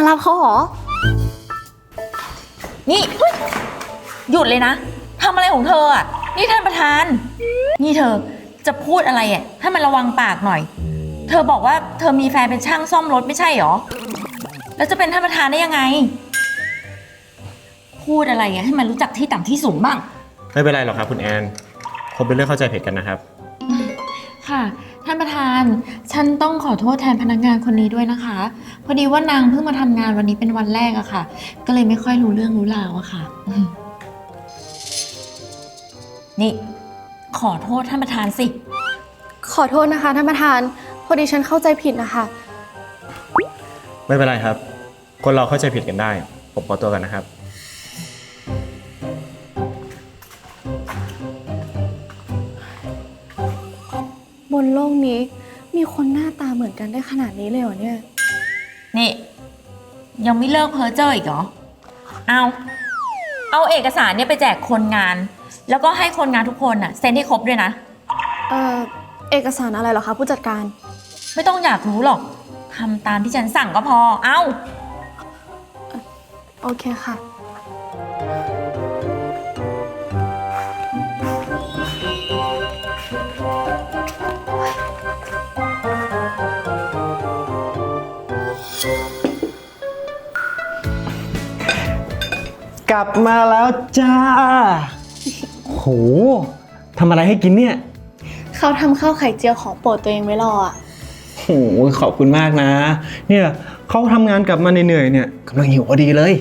รับเขาเหรอนี่หยุดเลยนะทำอะไรของเธออ่ะนี่ท่านประธานนี่เธอจะพูดอะไรอ่ะให้มันระวังปากหน่อยเธอบอกว่าเธอมีแฟนเป็นช่างซ่อมรถไม่ใช่หรอแล้วจะเป็นท่านประธานได้ยังไงพูดอะไรอ่ะให้มันรู้จักที่ต่ำที่สูงบ้างไม่เป็นไรหรอกครับคุณแอนคงเป็นเรื่องเข้าใจผิดกันนะครับค่ะท่านประธานฉันต้องขอโทษแทนพนักงานคนนี้ด้วยนะคะพอดีว่านางเพิ่งมาทำงานวันนี้เป็นวันแรกอะค่ะก็เลยไม่ค่อยรู้เรื่องรู้ราวอะค่ะนี่ขอโทษท่านประธานสิขอโทษนะคะท่านประธานพอดีฉันเข้าใจผิดนะคะไม่เป็นไรครับคนเราเข้าใจผิดกันได้ผมขอตัวกันนะครับบนโลกนี้มีคนหน้าตาเหมือนกันได้ขนาดนี้เลยเหรอเนี่ยนี่ยังไม่เลิกเพ้อเจ้ออีกเหรอเอาเอกสารเนี่ยไปแจกคนงานแล้วก็ให้คนงานทุกคนน่ะเซ็นให้ครบด้วยนะเอกสารอะไรเหรอคะผู้จัดการไม่ต้องอยากรู้หรอกทำตามที่ฉันสั่งก็พอโอเคค่ะกลับมาแล้วจ้าโหทำอะไรให้กินเนี่ยเขาทำข้าวไข่เจียวของโปรดตัวเองไว้รออ่ะโหขอบคุณมากนะเนี่ยเขาทำงานกลับมาเหนื่อยๆเนี่ยกำลังหิวพอดีเลย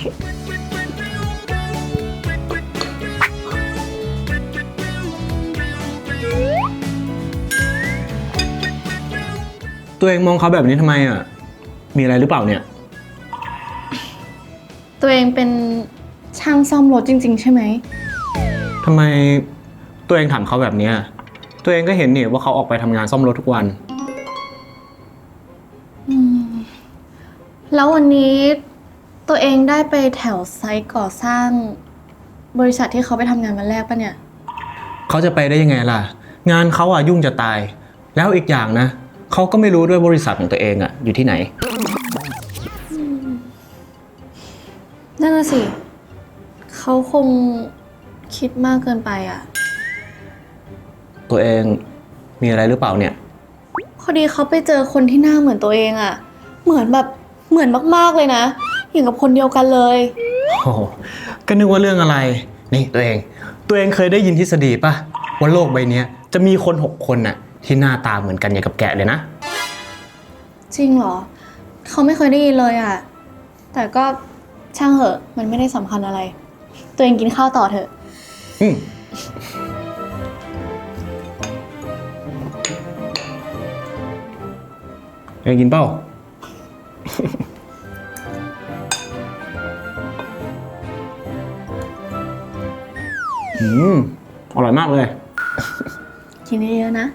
ตัวเองมองเขาแบบนี้ทำไมอ่ะมีอะไรหรือเปล่าเนี่ยตัวเองเป็นช่างซ่อมรถจริงๆใช่ไหมทำไมตัวเองถามเขาแบบนี้ตัวเองก็เห็นนี่ว่าเขาออกไปทำงานซ่อมรถทุกวันแล้ววันนี้ตัวเองได้ไปแถวไซต์ก่อสร้างบริษัทที่เขาไปทำงานวันแรกปะเนี่ยเขาจะไปได้ยังไงล่ะงานเขาอ่ะยุ่งจะตายแล้วอีกอย่างนะเขาก็ไม่รู้ด้วยบริษัทของตัวเองอ่ะอยู่ที่ไหนนั่นน่ะสิเขาคงคิดมากเกินไปอ่ะตัวเองมีอะไรหรือเปล่าเนี่ยพอดีเขาไปเจอคนที่หน้าเหมือนตัวเองอ่ะเหมือนมากๆเลยนะอย่างกับคนเดียวกันเลยโอ้ก็นึกว่าเรื่องอะไรนี่ตัวเองเคยได้ยินทฤษฎีป่ะว่าโลกใบนี้จะมีคน6 คนน่ะที่หน้าตาเหมือนกันอย่างกับแกะเลยนะจริงเหรอเขาไม่เคยได้ยินเลยอ่ะแต่ก็ช่างเหอะมันไม่ได้สำคัญอะไรตัวเองกินข้าวต่อเถอะกินเปล่าอร่อยมากเลยกินเยอะๆนะ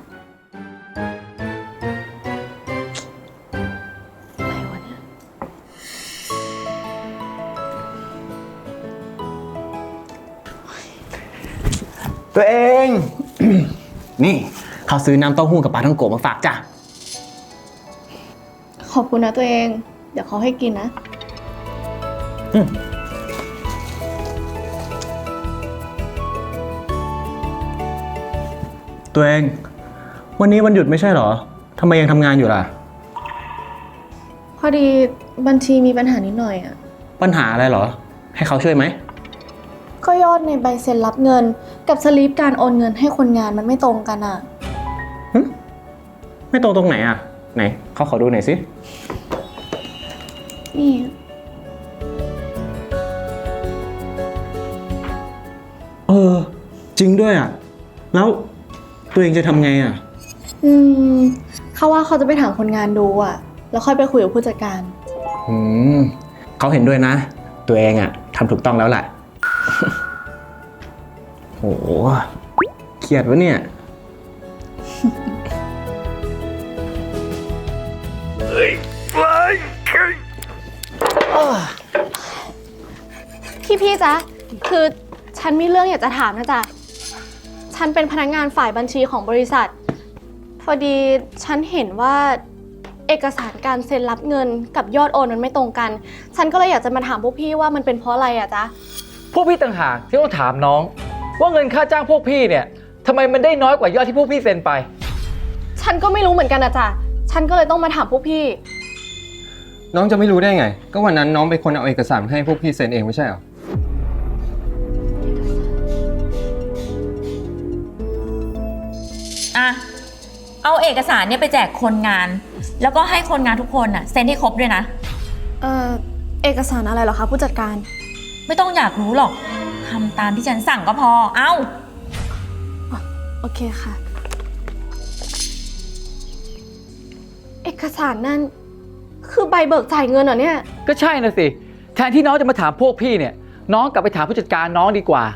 อะไรวะเนี่ยตัวเอง นี่เขาซื้อน้ำเต้าหู้กับปลาท่องโกะมาฝากจ้ะขอบคุณนะตัวเองเดี๋ยวเขาให้กินนะตัวเองวันนี้วันหยุดไม่ใช่เหรอทำไมยังทำงานอยู่ล่ะพอดีบัญชีมีปัญหานิดหน่อยอ่ะปัญหาอะไรเหรอให้เขาช่วยไหมก็ยอดในใบเซ็นรับเงินกับสลิปการโอนเงินให้คนงานมันไม่ตรงกันอ่ะไม่ตรงไหนอ่ะไหนเขาขอดูหน่อยสินี่จริงด้วยอ่ะแล้วตัวเองจะทำไงอ่ะเขาว่าเขาจะไปถามคนงานดูอ่ะแล้วค่อยไปคุยกับผู้จัดการเขาเห็นด้วยนะตัวเองอ่ะทำถูกต้องแล้วแหละโหเครียดวะเนี่ยพี่จ๊ะคือฉันมีเรื่องอยากจะถามนะจ๊ะฉันเป็นพนักงานฝ่ายบัญชีของบริษัทพอดีฉันเห็นว่าเอเอกสารการเซ็นรับเงินกับยอดโอนมันไม่ตรงกัน ฉันก็เลยอยากจะมาถามพวกพี่ว่ามันเป็นเพราะอะไรอะจ๊ะพวกพี่ต่างหากที่ต้องถามน้อง ว่าเงินค่าจ้างพวกพี่เนี่ยทำไมมันได้น้อยกว่ายอดที่พวกพี่เซ็นไปฉันก็ไม่รู้เหมือนกันอะจ๊ะ ฉันก็เลยต้องมาถามพวกพี่น้องจะไม่รู้ได้ไง ก็วันนั้นน้องเป็นคนเอาเอกสารมาให้พวกพี่เซ็นเองไม่ใช่เหรออ่ะ เอาเอกสารเนี่ยไปแจกคนงาน แล้วก็ให้คนงานทุกคนน่ะเซ็นให้ครบด้วยนะเอกสารอะไรเหรอคะผู้จัดการไม่ต้องอยากรู้หรอกทำตามที่ฉันสั่งก็พอ เอ้าโอเคค่ะ เอกสารนั่นคือใบเบิกจ่ายเงินเหรอเนี่ยก็ใช่นะสิแทนที่น้องจะมาถามพวกพี่เนี่ยน้องกลับไปถามผู้จัดการน้องดีกว่า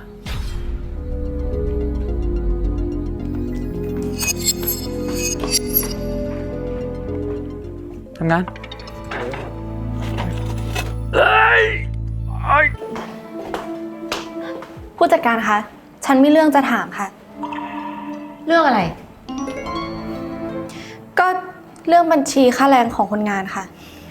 ทำงานผู้จัดการคะ ฉันมีเรื่องจะถามค่ะเรื่องอะไรก็เรื่องบัญชีค่าแรงของคนงานค่ะ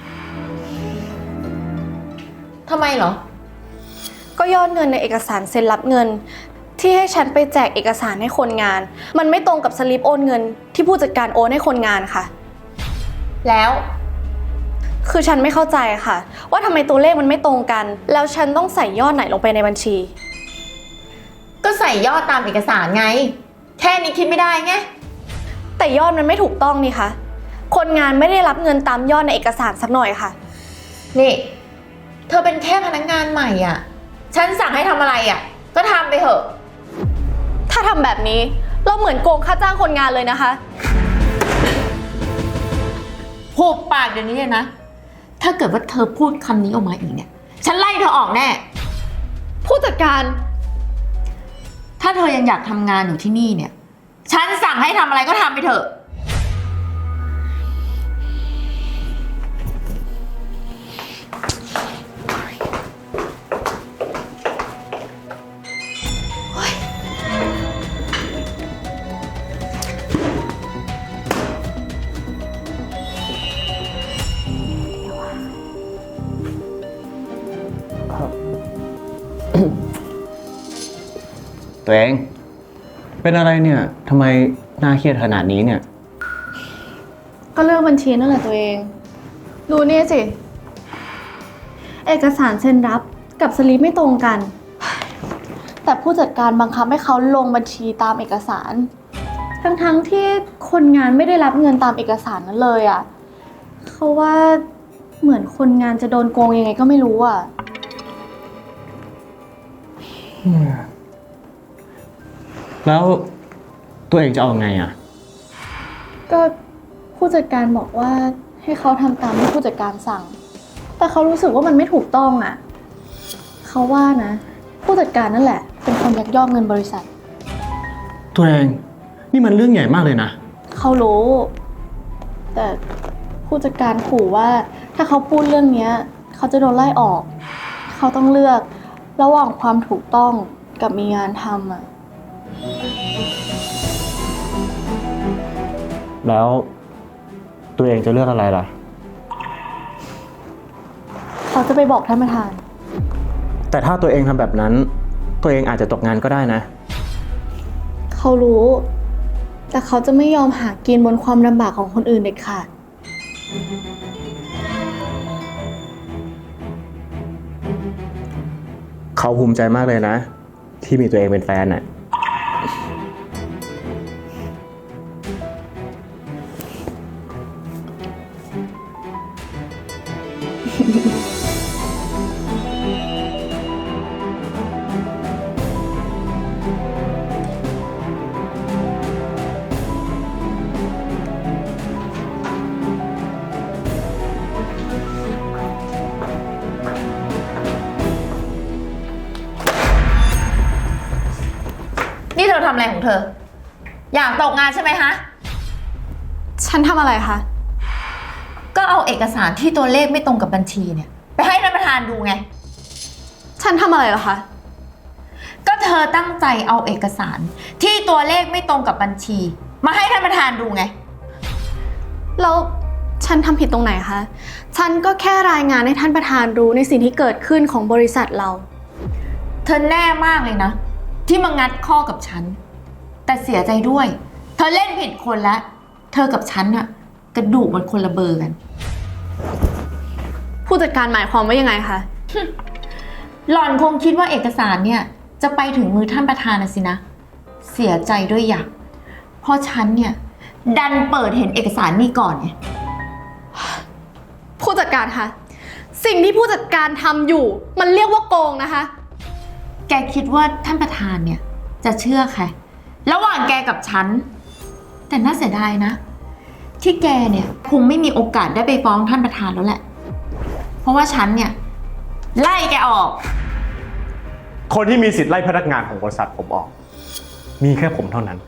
ทำไมเหรอก็ยอดเงินในเอกสารเซ็นรับเงิน ที่ให้ฉันไปแจกเอกสารให้คนงาน มันไม่ตรงกับสลิปโอนเงินที่ผู้จัดการโอนให้คนงานค่ะแล้วคือฉันไม่เข้าใจค่ะ ว่าทำไมตัวเลขมันไม่ตรงกัน แล้วฉันต้องใส่ยอดไหนลงไปในบัญชีก็ใส่ยอดตามเอกสารไง แค่นี้คิดไม่ได้ไงแต่ยอดมันไม่ถูกต้องนี่คะคนงานไม่ได้รับเงินตามยอดในเอกสารสักหน่อยค่ะนี่ เธอเป็นแค่พนักงานใหม่อ่ะ ฉันสั่งให้ทำอะไรอ่ะ ก็ทำไปเถอะถ้าทำแบบนี้เราเหมือนโกงค่าจ้างคนงานเลยนะคะหุบปากเดี๋ยวนี้เลยนะ ถ้าเกิดว่าเธอพูดคำนี้ออกมาอีกเนี่ย ฉันไล่เธอออกแน่ผู้จัดการถ้าเธอยังอยากทำงานอยู่ที่นี่เนี่ย ฉันสั่งให้ทำอะไรก็ทำไปเถอะตัวเองเป็นอะไรเนี่ยทำไมน่าเครียดขนาดนี้เนี่ยก็เรื่องบัญชีนั่นแหละตัวเอง ดูนี่สิ เอกสารเซ็นรับกับสลิปไม่ตรงกัน แต่ผู้จัดการบังคับให้เขาลงบัญชีตามเอกสาร ทั้งที่คนงานไม่ได้รับเงินตามเอกสารนั้นเลยอ่ะเขาว่าเหมือนคนงานจะโดนโกงยังไงก็ไม่รู้อ่ะแล้วตัวเองจะเอาไงอ่ะก็ผู้จัดการบอกว่าให้เขาทำตามที่ผู้จัดการสั่ง แต่เขารู้สึกว่ามันไม่ถูกต้องอ่ะ เขาว่านะ ผู้จัดการนั่นแหละ เป็นคนยักยอกเงินบริษัทตัวเองนี่มันเรื่องใหญ่มากเลยนะเขารู้ แต่ผู้จัดการขู่ว่าถ้าเขาพูดเรื่องนี้เขาจะโดนไล่ออก เขาต้องเลือกระหว่างความถูกต้องกับมีงานทำอ่ะแล้วตัวเองจะเลือกอะไรล่ะเขาจะไปบอกท่านประธานแต่ถ้าตัวเองทำแบบนั้น ตัวเองอาจจะตกงานก็ได้นะเขารู้ แต่เขาจะไม่ยอมหากินบนความลำบากของคนอื่นเด็ดขาดเขาภูมิใจมากเลยนะ ที่มีตัวเองเป็นแฟนน่ะนี่เธอทำอะไรของเธอ อยากตกงานใช่ไหมฮะฉันทำอะไรคะก็เอาเอกสารที่ตัวเลขไม่ตรงกับบัญชีเนี่ย ไปให้ท่านประธานดูไงฉันทำอะไรเหรอคะก็เธอตั้งใจเอาเอกสารที่ตัวเลขไม่ตรงกับบัญชี มาให้ท่านประธานดูไงแล้วฉันทำผิดตรงไหนคะ ฉันก็แค่รายงานให้ท่านประธานรู้ในสิ่งที่เกิดขึ้นของบริษัทเราเธอแน่มากเลยนะ ที่มางัดข้อกับฉัน แต่เสียใจด้วย เธอเล่นผิดคนแล้ว เธอกับฉันอะกระดูกมันคนละเบอร์กันผู้จัดการหมายความว่ายังไงคะหล่อนคงคิดว่าเอกสารเนี่ยจะไปถึงมือท่านประธานนะสินะ เสียใจด้วยอย่างเพราะฉันเนี่ยดันเปิดเห็นเอกสารนี่ก่อนไงผู้จัดการคะ สิ่งที่ผู้จัดการทำอยู่ มันเรียกว่าโกงนะคะแกคิดว่าท่านประธานเนี่ยจะเชื่อใครระหว่างแกกับฉัน แต่น่าเสียดายนะ ที่แกเนี่ยคงไม่มีโอกาสได้ไปฟ้องท่านประธานแล้วแหละ เพราะว่าฉันเนี่ยไล่แกออกคนที่มีสิทธิ์ไล่พนักงานของบริษัทผมออก มีแค่ผมเท่านั้น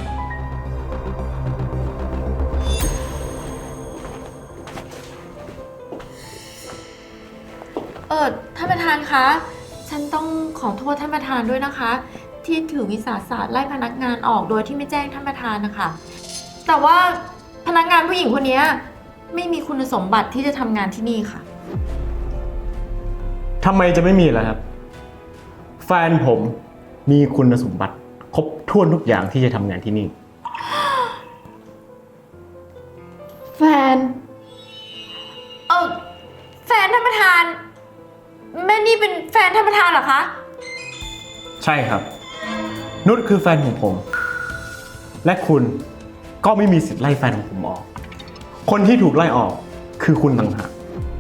ท่านประธานคะ ฉันต้องขอโทษท่านประธานด้วยนะคะ ที่ถือวิสาสะไล่พนักงานออกโดยที่ไม่แจ้งท่านประธานนะคะ แต่ว่าพนักงานผู้หญิงคนนี้ไม่มีคุณสมบัติที่จะทำงานที่นี่ค่ะทำไมจะไม่มีล่ะครับ แฟนผมมีคุณสมบัติครบถ้วนทุกอย่างที่จะทำงานที่นี่แฟนแฟนท่านประธาน แม่นี่เป็นแฟนท่านประธานเหรอคะใช่ครับ นุชคือแฟนของผม และคุณก็ไม่มีสิทธิ์ไล่แฟนของผมออก คนที่ถูกไล่ออกคือคุณต่างหาก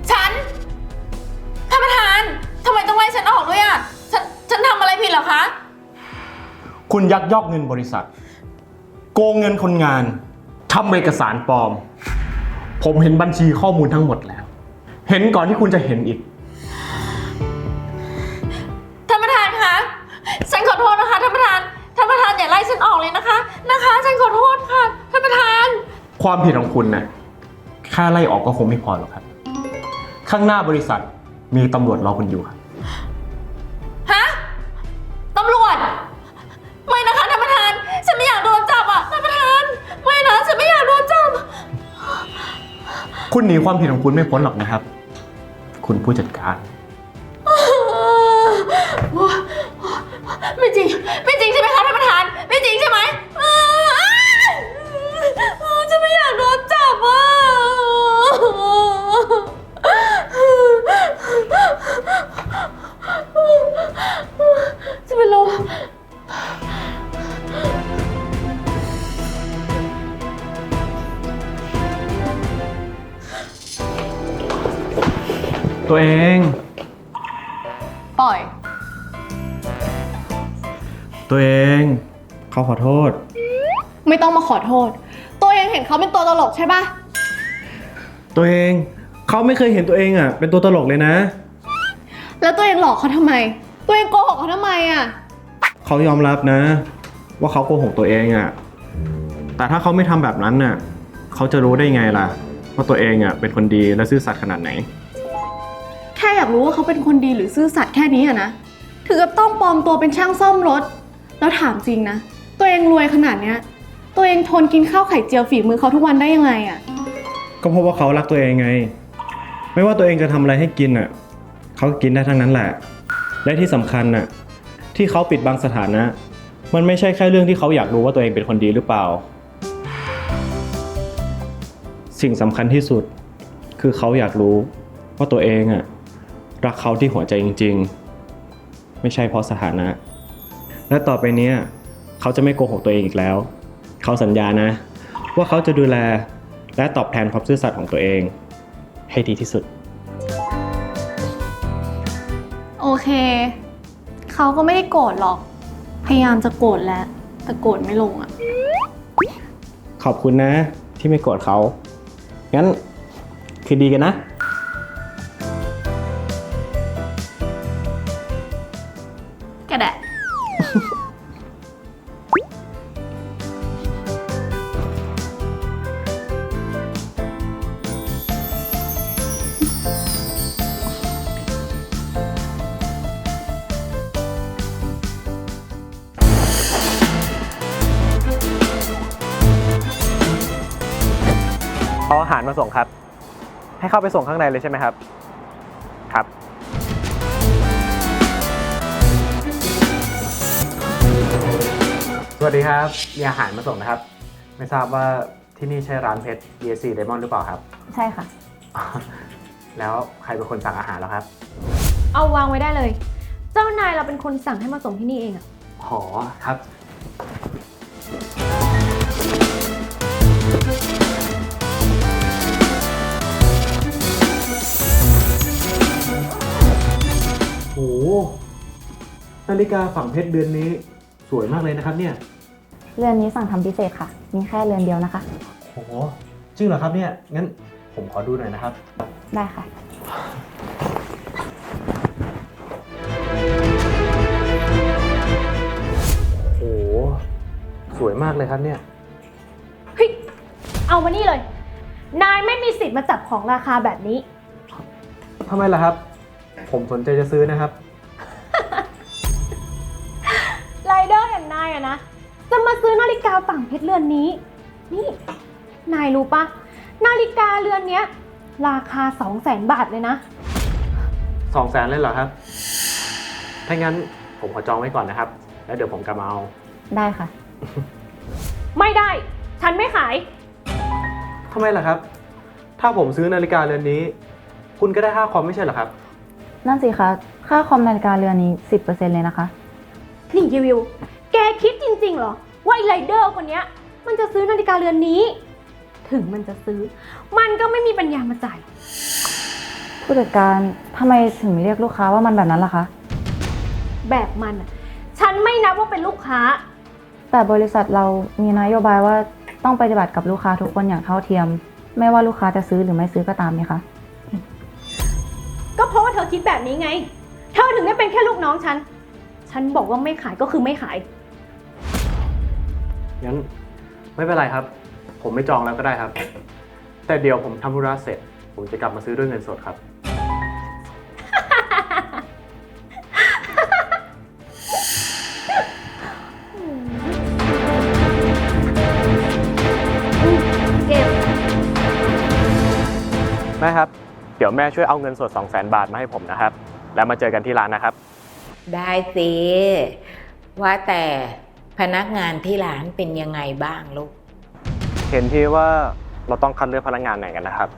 ท่านประธานทำไมต้องไล่ฉันออกด้วยอ่ะ ฉันทำอะไรผิดเหรอคะคุณยักยอกเงินบริษัท โกงเงินคนงานทำเอกสารปลอม ผมเห็นบัญชีข้อมูลทั้งหมดแล้ว เห็นก่อนที่คุณจะเห็นอีกท่านประธานคะ ฉันขอโทษนะคะท่านประธาน ท่านประธานอย่าไล่ฉันออกเลยนะคะ ฉันขอโทษค่ะ ท่านประธานความผิดของคุณน่ะแค่ไล่ออกก็คงไม่พอหรอกครับ ข้างหน้าบริษัทมีตำรวจรอคุณอยู่ครับฮะ ตำรวจ ไม่นะคะท่านประธาน ฉันไม่อยากโดนจับอ่ะท่านประธาน ไม่นะ ฉันไม่อยากโดนจับคุณหนีความผิดของคุณไม่พ้นหรอกนะครับ คุณผู้จัดการไม่จริง ไม่จริงใช่ไหมคะท่านประธาน ไม่จริงใช่ไหมฉันไม่อยากโดนจับอ่ะจะเป็นลมตัวเองปล่อยตัวเองเขาขอโทษไม่ต้องมาขอโทษ ตัวเองเห็นเขาเป็นตัวตลกใช่ปะตัวเองเขาไม่เคยเห็นตัวเองอ่ะเป็นตัวตลกเลยนะแล้วตัวเองหลอกเขาทำไม ตัวเองโกหกเขาทำไมอ่ะเขายอมรับนะ ว่าเขาโกหกตัวเองอ่ะแต่ถ้าเขาไม่ทำแบบนั้นน่ะเขาจะรู้ได้ไงล่ะว่าตัวเองอ่ะเป็นคนดีและซื่อสัตย์ขนาดไหนแค่อยากรู้ว่าเขาเป็นคนดีหรือซื่อสัตย์แค่นี้อะนะถึงกับต้องปลอมตัวเป็นช่างซ่อมรถ แล้วถามจริงนะ ตัวเองรวยขนาดเนี้ย ตัวเองทนกินข้าวไข่เจียวฝีมือเขาทุกวันได้ยังไงอะก็เพราะว่าเขารักตัวเองไง ไม่ว่าตัวเองจะทำอะไรให้กินอ่ะเขากินได้ทั้งนั้นแหละ และที่สำคัญน่ะที่เขาปิดบังสถานะ มันไม่ใช่แค่เรื่องที่เขาอยากรู้ว่าตัวเองเป็นคนดีหรือเปล่า สิ่งสำคัญที่สุดคือเขาอยากรู้ว่าตัวเองอ่ะรักเขาที่หัวใจจริงๆ ไม่ใช่เพราะสถานะ และต่อไปเนี้ยเขาจะไม่โกหกตัวเองอีกแล้ว เขาสัญญานะ ว่าเขาจะดูแลและตอบแทนความซื่อสัตย์ของตัวเองให้ดีที่สุดโอเค เขาก็ไม่ได้โกรธหรอก พยายามจะโกรธแล้ว แต่โกรธไม่ลงอะขอบคุณนะที่ไม่โกรธเขา งั้นคืนดีกันนะก็ได้เอาอาหารมาส่งครับ ให้เข้าไปส่งข้างในเลยใช่ไหมครับ ครับ สวัสดีครับ มีอาหารมาส่งนะครับ ไม่ทราบว่าที่นี่ใช่ร้านเพชร BSC Diamond หรือเปล่าครับใช่ค่ะแล้วใครเป็นคนสั่งอาหารแล้วครับเอาวางไว้ได้เลย เจ้านายเราเป็นคนสั่งให้มาส่งที่นี่เองอะหอครับ โห นาฬิกาฝั่งเพชรเดือนนี้สวยมากเลยนะครับเนี่ยเรือนนี้สั่งทำพิเศษค่ะ มีแค่เรือนเดียวนะคะโห จริงเหรอครับเนี่ย งั้นผมขอดูหน่อยนะครับได้ค่ะโห สวยมากเลยครับเนี่ยเฮ้ย เอามานี่เลย นายไม่มีสิทธิ์มาจับของราคาแบบนี้ทำไมล่ะครับ ผมสนใจจะซื้อนะครับไรเดอร์อย่างนายอะนะ จะมาซื้อนาฬิกาฝั่งเพชรเรือนนี้ นี่ นายรู้ปะนาฬิกาเรือนเนี้ย ราคา 200,000 บาทเลยนะ 200,000เลยเหรอครับ ถ้างั้นผมขอจองไว้ก่อนนะครับ แล้วเดี๋ยวผมกลับมาเอาได้ค่ะไม่ได้ ฉันไม่ขายทำไมล่ะครับ ถ้าผมซื้อนาฬิกาเรือนนี้ คุณก็ได้ค่าคอมไม่ใช่เหรอครับนั่นสิคะ ค่าคอมนาฬิกาเรือนนี้ 10% เลยนะคะนี่ยีวิว แกคิดจริงๆเหรอ ว่าไอ้ไรเดอร์คนเนี้ย มันจะซื้อนาฬิกาเรือนนี้ ถึงมันจะซื้อ มันก็ไม่มีปัญญามาจ่ายผู้จัดการทำไมถึงเรียกลูกค้าว่ามันแบบนั้นล่ะคะแบบมันอะฉันไม่นับว่าเป็นลูกค้าแต่บริษัทเรามีนโยบายว่าต้องปฏิบัติกับลูกค้าทุกคนอย่างเท่าเทียม ไม่ว่าลูกค้าจะซื้อหรือไม่ซื้อก็ตามไหมคะก็เพราะว่าเธอคิดแบบนี้ไง เธอถึงได้เป็นแค่ลูกน้องฉัน ฉันบอกว่าไม่ขายก็คือไม่ขายงั้นไม่เป็นไรครับ ผมไม่จองแล้วก็ได้ครับ แต่เดี๋ยวผมทำธุระเสร็จ ผมจะกลับมาซื้อด้วยเงินสดครับเก็บแม่ครับ เดี๋ยวแม่ช่วยเอาเงินสด 200,000 บาทมาให้ผมนะครับ แล้วมาเจอกันที่ร้านนะครับได้สิว่าแต่พนักงานที่ร้านเป็นยังไงบ้างลูกเห็นที่ว่าเราต้องคัดเลือกพนักงานไหนกันนะครับ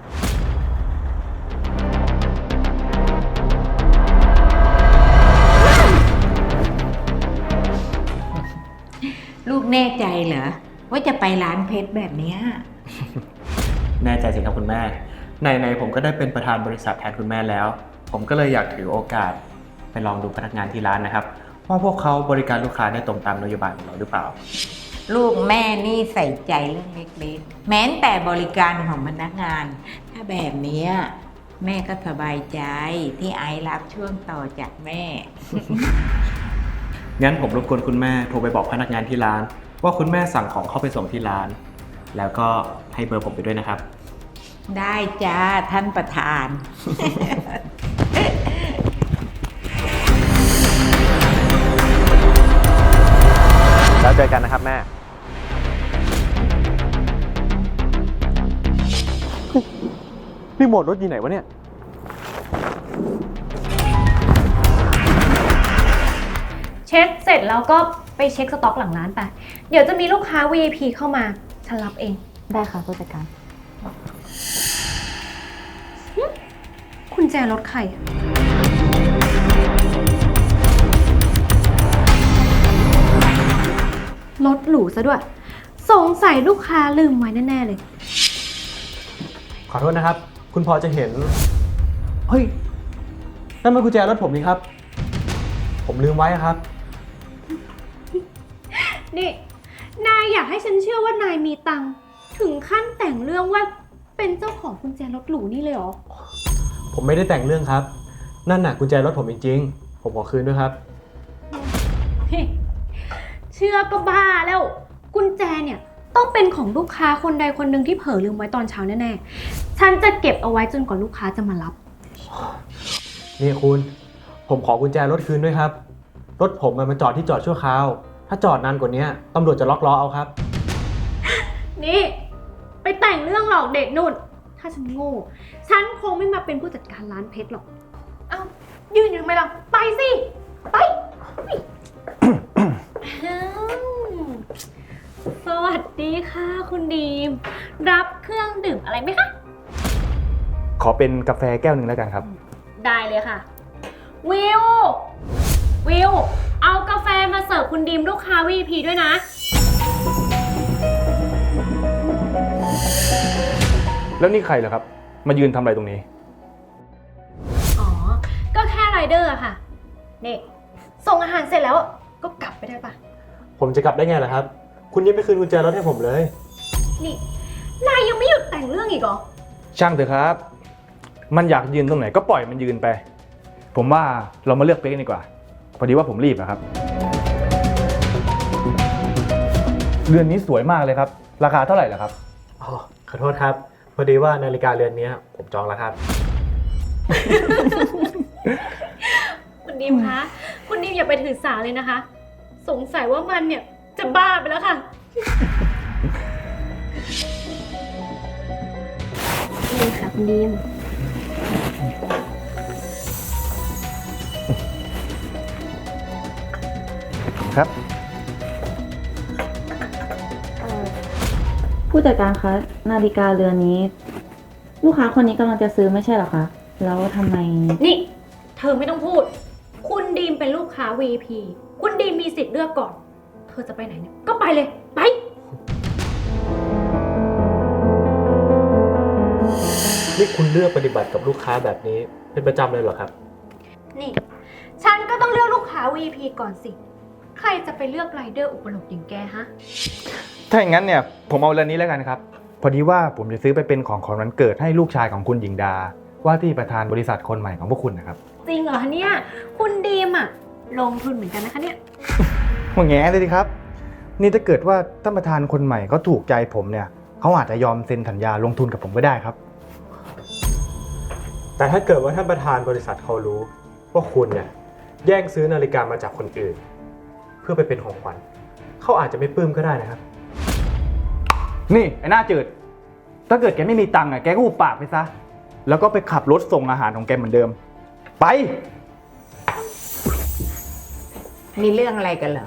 ลูกแน่ใจเหรอว่าจะไปร้านเพชรแบบเนี้ยแน่ใจสิครับคุณแม่ไหนๆผมก็ได้เป็นประธานบริษัทแทนคุณแม่แล้ว ผมก็เลยอยากถือโอกาสไปลองดูพนักงานที่ร้านนะครับว่าพวกเขาบริการลูกค้าได้ตรงตามนโยบายของเราหรือเปล่าลูกแม่นี่ใส่ใจเรื่องเล็กๆ แม้แต่บริการของพนักงาน ถ้าแบบเนี้ยแม่ก็สบายใจที่ไอซ์รับช่วงต่อจากแม่งั้นผมรบกวนคุณแม่โทรไปบอกพนักงานที่ร้าน ว่าคุณแม่สั่งของเข้าไปส่งที่ร้าน แล้วก็ให้เบอร์ผมไปด้วยนะครับได้จ้าท่านประธานแล้วเจอกันนะครับแม่ รีโมทรถอยู่ไหนวะเนี่ยเช็คเสร็จแล้วก็ไปเช็คสต็อกหลังร้านไป เดี๋ยวจะมีลูกค้า VIP เข้ามา ฉันรับเองได้ค่ะผู้จัดการคุณแจรถใครอะรถหรูซะด้วย สงสัยลูกค้าลืมไว้แน่ๆเลยขอโทษนะครับ คุณพอจะเห็น เฮ้ย นั่นมันกุญแจรถผมนี่ครับ ผมลืมไว้ครับนี่ นายอยากให้ฉันเชื่อว่านายมีตังค์ถึงขั้นแต่งเรื่องว่าเป็นเจ้าของกุญแจรถหรูนี่เลยเหรอผมไม่ได้แต่งเรื่องครับ นั่นน่ะกุญแจรถผมจริงๆ ผมขอคืนด้วยครับเชื่อก็บ้าแล้ว กุญแจเนี่ยต้องเป็นของลูกค้าคนใดคนหนึ่งที่เผลอลืมไว้ตอนเช้าแน่ๆ ฉันจะเก็บเอาไว้จนกว่าลูกค้าจะมารับนี่คุณ ผมขอกุญแจรถคืนด้วยครับ รถผมมันจอดที่จอดชั่วคราว ถ้าจอดนานกว่านี้ตำรวจจะล็อกล้อเอาครับนี่ไปแต่งเรื่องหลอกเด็กนู่น ถ้าฉันโง่ ฉันคงไม่มาเป็นผู้จัดการร้านเพชรหรอก เอ้า ยืนอยู่ทำไมล่ะ ไปสิ ไป อ้าวสวัสดีค่ะคุณดีม รับเครื่องดื่มอะไรไหมคะขอเป็นกาแฟแก้วหนึ่งแล้วกันครับได้เลยค่ะ วิว วิว เอากาแฟมาเสิร์ฟคุณดีมลูกค้า VIP ด้วยนะแล้วนี่ใครเหรอครับ มายืนทำอะไรตรงนี้อ๋อ ก็แค่ไรเดอร์อะค่ะนี่ส่งอาหารเสร็จแล้วก็กลับไปได้ปะผมจะกลับได้ไงล่ะครับ คุณยังไม่คืนกุญแจรถให้ผมเลยนี่ นายยังไม่หยุดแต่งเรื่องอีกเหรอช่างเถอะครับ มันอยากยืนตรงไหนก็ปล่อยมันยืนไป ผมว่าเรามาเลือกเป๊กดีกว่า พอดีว่าผมรีบอะครับ เรือนนี้สวยมากเลยครับ ราคาเท่าไหร่ล่ะครับอ๋อ ขอโทษครับ พอดีว่านาฬิกาเรือนนี้ผมจองแล้วครับคุณดีมคะ คุณดีมอย่าไปถือสาเลยนะคะ สงสัยว่ามันเนี่ยจะบ้าไปแล้วค่ะ นี่ค่ะคุณดีมครับผู้จัดการคะ นาฬิกาเรือนนี้ ลูกค้าคนนี้กำลังจะซื้อไม่ใช่เหรอคะ แล้วทำไมนี่ เธอไม่ต้องพูด คุณดีมเป็นลูกค้า VIP คุณดีมมีสิทธิ์เลือกก่อน เธอจะไปไหนเนี่ยก็ไปเลย ไปนี่คุณเลือกปฏิบัติกับลูกค้าแบบนี้เป็นประจำเลยเหรอครับนี่ ฉันก็ต้องเลือกลูกค้า VIP ก่อนสิ ใครจะไปเลือกไรเดอร์อุปโลกอย่างแกฮะถ้าอย่างนั้นเนี่ยผมเอาเรือนนี้แล้วกันครับ พอดีว่าผมจะซื้อไปเป็นของขวัญวันเกิดให้ลูกชายของคุณหญิงดา ว่าที่ประธานบริษัทคนใหม่ของพวกคุณนะครับจริงเหรอคะเนี่ย คุณดีมอะลงทุนเหมือนกันนะคะเนี่ยมาแง่เลยดิครับ นี่ถ้าเกิดว่าท่านประธานคนใหม่เขาถูกใจผมเนี่ยเขาอาจจะยอมเซ็นสัญญาลงทุนกับผมก็ได้ครับแต่ถ้าเกิดว่าท่านประธานบริษัทเขารู้ว่าคุณเนี่ยแย่งซื้อนาฬิกามาจากคนอื่น เพื่อไปเป็นของขวัญเขาอาจจะไม่ปลื้มก็ได้นะครับนี่ไอ้หน้าจืด ถ้าเกิดแกไม่มีตังค์อ่ะแกก็หุบปากไปซะ แล้วก็ไปขับรถส่งอาหารของแกเหมือนเดิม ไปมีเรื่องอะไรกันเหรอ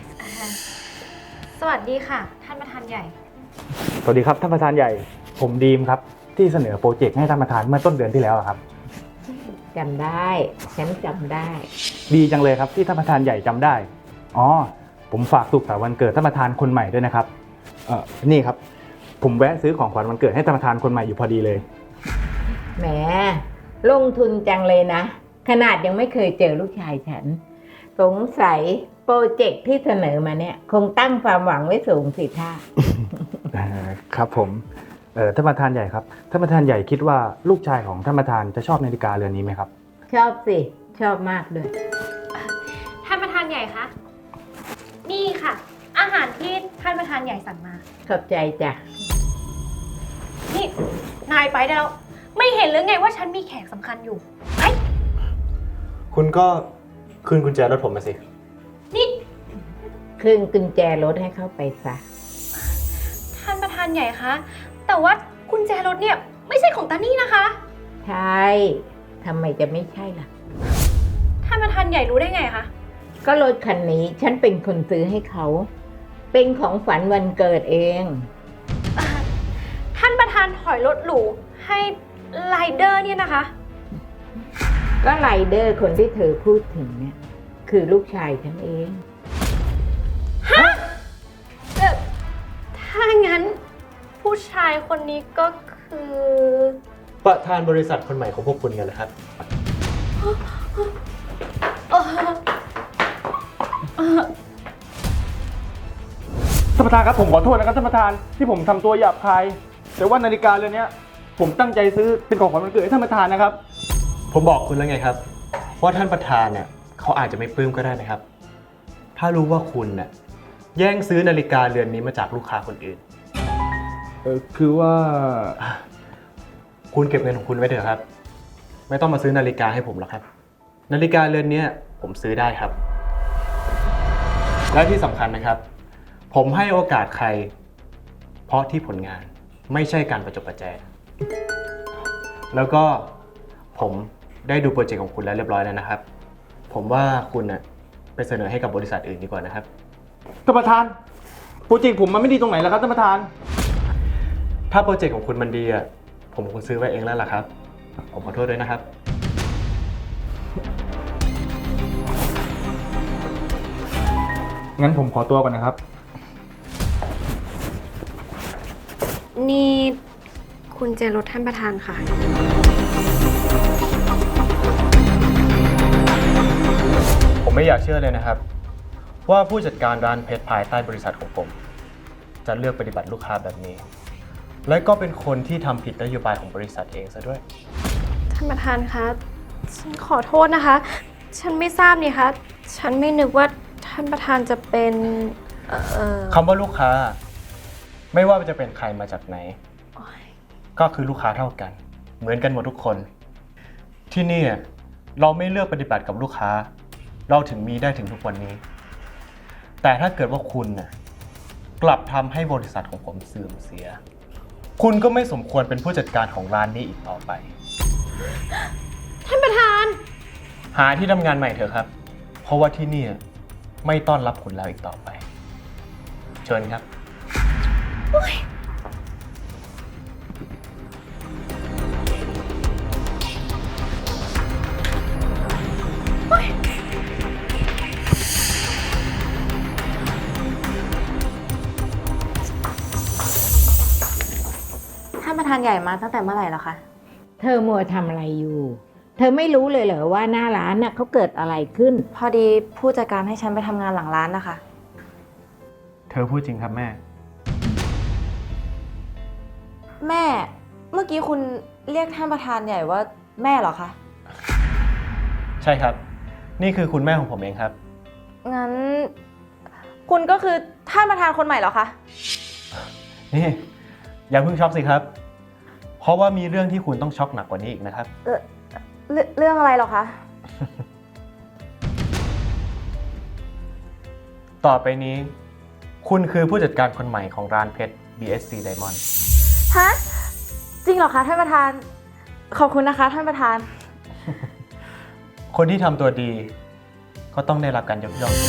สวัสดีค่ะ ท่านประธานใหญ่สวัสดีครับท่านประธานใหญ่ ผมดีมครับที่เสนอโปรเจกต์ให้ท่านประธานเมื่อต้นเดือนที่แล้วอะครับจำได้ ฉันจำได้ดีจังเลยครับที่ท่านประธานใหญ่จำได้ อ๋อ ผมฝากสุขสันต์วันเกิดท่านประธานคนใหม่ด้วยนะครับ นี่ครับ ผมแวะซื้อของขวัญวันเกิดให้ท่านประธานคนใหม่อยู่พอดีเลยแหม ลงทุนจังเลยนะ ขนาดยังไม่เคยเจอลูกชายฉัน สงสัยโปรเจกต์ที่เสนอมาเนี่ย คงตั้งความหวังไว้สูงสิท่าครับผมท่านประธานใหญ่ครับท่านประธานใหญ่คิดว่าลูกชายของท่านประธานจะชอบนาฬิกาเรือนนี้ไหมครับชอบสิ ชอบมากด้วยท่านประธานใหญ่คะ นี่ค่ะ อาหารที่ท่านประธานใหญ่สั่งมาขอบใจจ้ะนี่ นายไปได้แล้ว ไม่เห็นหรือไงว่าฉันมีแขกสำคัญอยู่ ไปคุณก็คืนกุญแจรถผมมาสินี่คืนกุญแจรถให้เขาไปซะท่านประธานใหญ่คะ แต่ว่ากุญแจรถเนี่ยไม่ใช่ของตานี่นะคะใช่ ทำไมจะไม่ใช่ล่ะท่านประธานใหญ่รู้ได้ไงคะก็รถคันนี้ฉันเป็นคนซื้อให้เขา เป็นของฝันวันเกิดเองท่านประธานถอยรถหรูให้ไรเดอร์เนี่ยนะคะก็ไรเดอร์คนที่เธอพูดถึงเนี่ย คือลูกชายฉันเองถ้างั้นผู้ชายคนนี้ก็คือประธานบริษัทคนใหม่ของพวกคุณกันเหรอครับท่านประธานครับผมขอโทษนะครับท่านประธานที่ผมทำตัวหยาบคาย แต่ว่านาฬิกาเรือนนี้ผมตั้งใจซื้อเป็นของขวัญวันเกิดให้ท่านประธานนะครับผมบอกคุณแล้วไงครับว่าท่านประธานเนี่ยเขาอาจจะไม่ปลื้มก็ได้นะครับ ถ้ารู้ว่าคุณน่ะแย่งซื้อนาฬิกาเรือนนี้มาจากลูกค้าคนอื่นคือว่าคุณเก็บเงินของคุณไว้เถอะครับ ไม่ต้องมาซื้อนาฬิกาให้ผมหรอกครับ นาฬิกาเรือนนี้ผมซื้อได้ครับ และที่สำคัญนะครับ ผมให้โอกาสใคร เพราะที่ผลงานไม่ใช่การประจบประแจงแล้วก็ผมได้ดูโปรเจกต์ของคุณแล้วเรียบร้อยแล้วนะครับ ผมว่าคุณน่ะไปเสนอให้กับบริษัทอื่นดีกว่านะครับท่านประธาน โปรเจกต์ผมมันไม่ดีตรงไหนแล้วครับท่านประธานถ้าโปรเจกต์ของคุณมันดีอ่ะผมคงซื้อไว้เองแล้วล่ะครับ ผมขอโทษด้วยนะครับงั้นผมขอตัวก่อนนะครับนี่คุณเจรถท่านประธานค่ะผมไม่อยากเชื่อเลยนะครับ ว่าผู้จัดการร้านเพชรภายใต้บริษัทของผม จะเลือกปฏิบัติลูกค้าแบบนี้ และก็เป็นคนที่ทำผิดนโยบายของบริษัทเองซะด้วยท่านประธานคะ ฉันขอโทษนะคะ ฉันไม่ทราบนี่คะ ฉันไม่นึกว่าท่านประธานจะเป็นคำว่าลูกค้า ไม่ว่าจะเป็นใครมาจากไหน ก็คือลูกค้าเท่ากัน เหมือนกันหมดทุกคน ที่นี่เราไม่เลือกปฏิบัติกับลูกค้า เราถึงมีได้ถึงทุกวันนี้ แต่ถ้าเกิดว่าคุณน่ะกลับทำให้บริษัทของผมเสื่อมเสีย คุณก็ไม่สมควรเป็นผู้จัดการของร้านนี้อีกต่อไปท่านประธานหาที่ทำงานใหม่เถอะครับ เพราะว่าที่นี่ไม่ต้อนรับคุณแล้วอีกต่อไป เชิญครับท่านประธานใหญ่มาตั้งแต่เมื่อไหร่แล้วคะเธอมัวทำอะไรอยู่ เธอไม่รู้เลยเหรอว่าหน้าร้านน่ะเขาเกิดอะไรขึ้นพอดีผู้จัดการให้ฉันไปทำงานหลังร้านนะคะเธอพูดจริงครับแม่แม่ เมื่อกี้คุณเรียกท่านประธานใหญ่ว่าแม่เหรอคะใช่ครับ นี่คือคุณแม่ของผมเองครับงั้น คุณก็คือท่านประธานคนใหม่เหรอคะนี่อย่าเพิ่งช็อกสิครับ เพราะว่ามีเรื่องที่คุณต้องช็อกหนักกว่านี้อีกนะครับเรื่องอะไรเหรอคะต่อไปนี้ คุณคือผู้จัดการคนใหม่ของร้านเพชร BSC Diamond ฮะ จริงเหรอคะท่านประธาน ขอบคุณนะคะท่านประธานคนที่ทำตัวดี ก็ต้องได้รับการยกย่อง